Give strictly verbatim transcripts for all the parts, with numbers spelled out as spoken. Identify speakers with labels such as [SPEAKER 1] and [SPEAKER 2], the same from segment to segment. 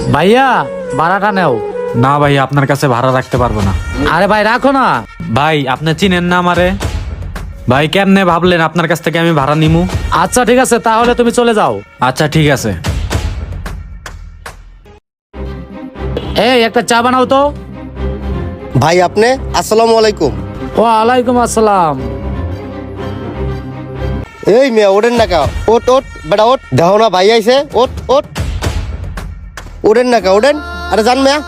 [SPEAKER 1] ভাইয়া ভাড়াটা নেও।
[SPEAKER 2] না ভাই, আপনার কাছে ভাড়া রাখতে পারবো না।
[SPEAKER 1] আরে ভাই রাখো না।
[SPEAKER 2] ভাই আপনি চিনেন না আমারে? ভাই কেমনে ভাবলেন আপনার কাছ থেকে আমি ভাড়া নিমু?
[SPEAKER 1] আচ্ছা ঠিক আছে, তাহলে তুমি চলে যাও।
[SPEAKER 2] আচ্ছা ঠিক আছে।
[SPEAKER 1] এই একটা চা বানাও তো।
[SPEAKER 3] ভাই আপনি আসসালামু আলাইকুম।
[SPEAKER 1] ওয়ালাইকুম আসসালাম।
[SPEAKER 3] এই মেয়ে ওঠেন না কা, ওট ওট বেটা ওট, দেখো না ভাই আইছে, ওট ওট, ওঠেন না কা, ওঠেন। আরে যান মেয়া।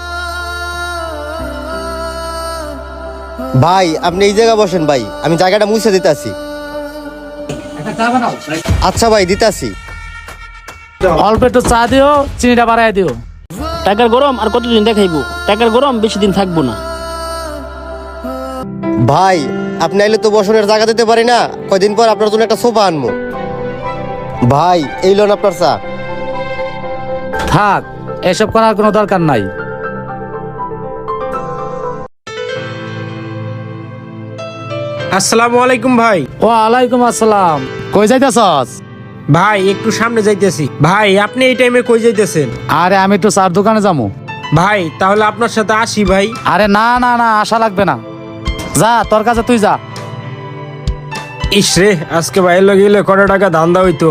[SPEAKER 3] ভাই আপনি এই জায়গা বসেন ভাই, আমি জায়গাটা মুছে দিতে আসি।
[SPEAKER 1] একটা চা বানাও।
[SPEAKER 3] আচ্ছা ভাই দিতে আসি।
[SPEAKER 1] অল্প একটু চা দিও, চিনিটা বাড়াই দিও।
[SPEAKER 4] টাকার গরম আর কতদিন দেখাইবো? টাকার গরম বেশি দিন থাকবো না।
[SPEAKER 3] ভাই আপনি আইলে তো বসনের জায়গা দিতে পারি না, কয়দিন পর আপনার জন্য একটা সোফা আনবো। ভাই এই লোন আপনার চা।
[SPEAKER 1] থাক, এসব করার কোনো দরকার নাই।
[SPEAKER 5] আসসালামু আলাইকুম ভাই।
[SPEAKER 1] ওয়ালাইকুম আসসালাম। কই যাইতেছস?
[SPEAKER 5] ভাই একটু সামনে যাইতেছি। ভাই আপনি এই টাইমে কই যাইতেছেন?
[SPEAKER 1] আরে আমি একটু চার দোকানে যাবো।
[SPEAKER 5] ভাই তাহলে আপনার সাথে আসি ভাই।
[SPEAKER 1] আরে না না না, আশা লাগবে না। যা, তোর কাছে তুই যা।
[SPEAKER 5] ইস রে, আজকে বাইরে লগে গেলে কত টাকা ধান্দা হইতো।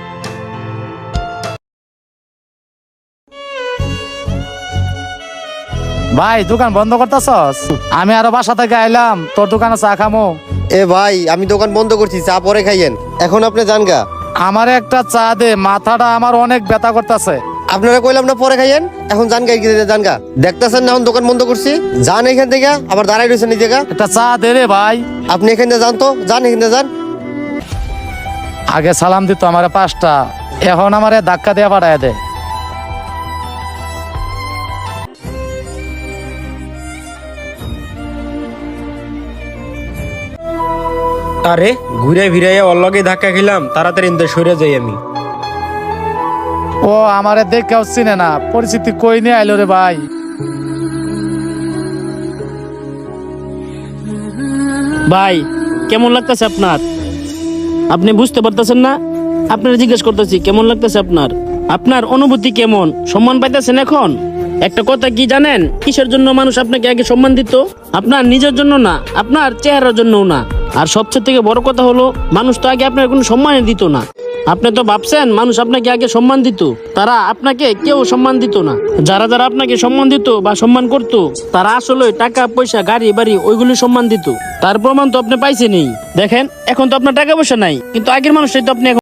[SPEAKER 1] ভাই দোকান বন্ধ করতেছস? আমি আরো বাসা থেকে আইলাম, তোর দোকানে চা খামো।
[SPEAKER 3] এ ভাই আমি দোকান বন্ধ করছি, চা পরে খাইয়েন, এখন আপনি যান গা।
[SPEAKER 1] আমার একটা চা দে, মাথাটা আমার অনেক ব্যথা করতেছে।
[SPEAKER 3] আপনারা কইলাম না পরে খাইয়েন, এখন যান গা, এগিয়ে যান গা। দেখতেছেন না এখন দোকান বন্ধ করছি, যান এখান থেকে, আবার দাঁড়াই রয়েছেন এই জায়গা।
[SPEAKER 1] একটা চা দে রে ভাই।
[SPEAKER 3] আপনি এখান থেকে যান তো, যান এখান থেকে যান।
[SPEAKER 1] আগে সালাম দিত আমার পাঁচটা, এখন আমারে ধাক্কা দিয়ে পাঠায় দে।
[SPEAKER 5] আরে ঘুরে ফিরাইয়া ওর লগে ধাক্কা খেলাম, তাড়াতাড়ি ইন্দে সরে যাই আমি।
[SPEAKER 1] ও আমারে দেখেও চিনে না, পরিস্থিতি কই নিয়ে আইলো রে ভাই।
[SPEAKER 4] ভাই কেমন লাগতেছে আপনার? আপনি বুঝতে পারতেছেন না? আপনার জিজ্ঞেস করতেছি কেমন লাগতেছে আপনার? আপনার অনুভূতি কেমন? সম্মান পাইতেছেন এখন? একটা কথা কি জানেন, কিসের জন্য মানুষ আপনাকে আগে সম্মান দিত? আপনার নিজের জন্য না, আপনার চেহারার জন্যও না। আর সবচেয়ে থেকে বড় কথা হলো, মানুষ তো আগে আপনার কোনো সম্মানই দিত না। আপনি তো ভাবছেন মানুষ আপনাকে আগে সম্মান দিত, তারা আপনাকে কেউ সম্মান দিত না। যারা যারা আপনাকে সম্মান দিত বা সম্মান করত, তারা আসলে টাকা পয়সা গাড়ি বাড়ি ওইগুলি সম্মান দিত। তার প্রমাণ তো আপনি পাইছেনই। দেখেন এখন তো আপনার টাকা পয়সা নাই, কিন্তু আগের মানুষটাই তো আপনি এখন